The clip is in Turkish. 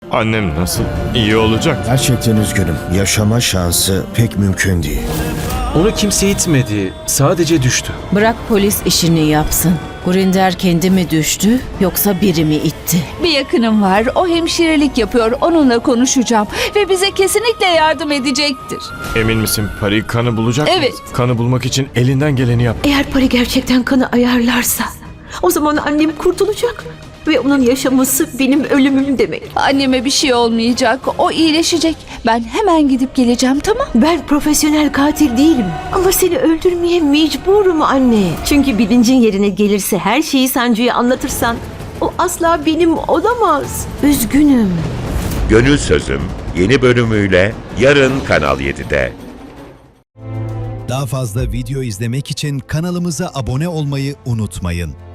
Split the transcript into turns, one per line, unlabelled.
Annem nasıl? İyi olacak.
Gerçekten üzgünüm. Yaşama şansı pek mümkün değil.
Onu kimse itmedi, sadece düştü.
Bırak polis işini yapsın. Gurinder kendi mi düştü yoksa biri mi itti?
Bir yakınım var. O hemşirelik yapıyor. Onunla konuşacağım. Ve bize kesinlikle yardım edecektir.
Emin misin Pari kanı bulacak mı?
Evet.
Kanı bulmak için elinden geleni yap.
Eğer Pari gerçekten kanı ayarlarsa o zaman annem kurtulacak ve onun yaşaması benim ölümüm demek.
Anneme bir şey olmayacak. O iyileşecek. Ben hemen gidip geleceğim, tamam?
Ben profesyonel katil değilim ama seni öldürmeye mecburum anne. Çünkü bilincin yerine gelirse her şeyi Sancu'ya anlatırsan o asla benim olamaz. Üzgünüm.
Gönül Sözüm yeni bölümüyle yarın Kanal 7'de.
Daha fazla video izlemek için kanalımıza abone olmayı unutmayın.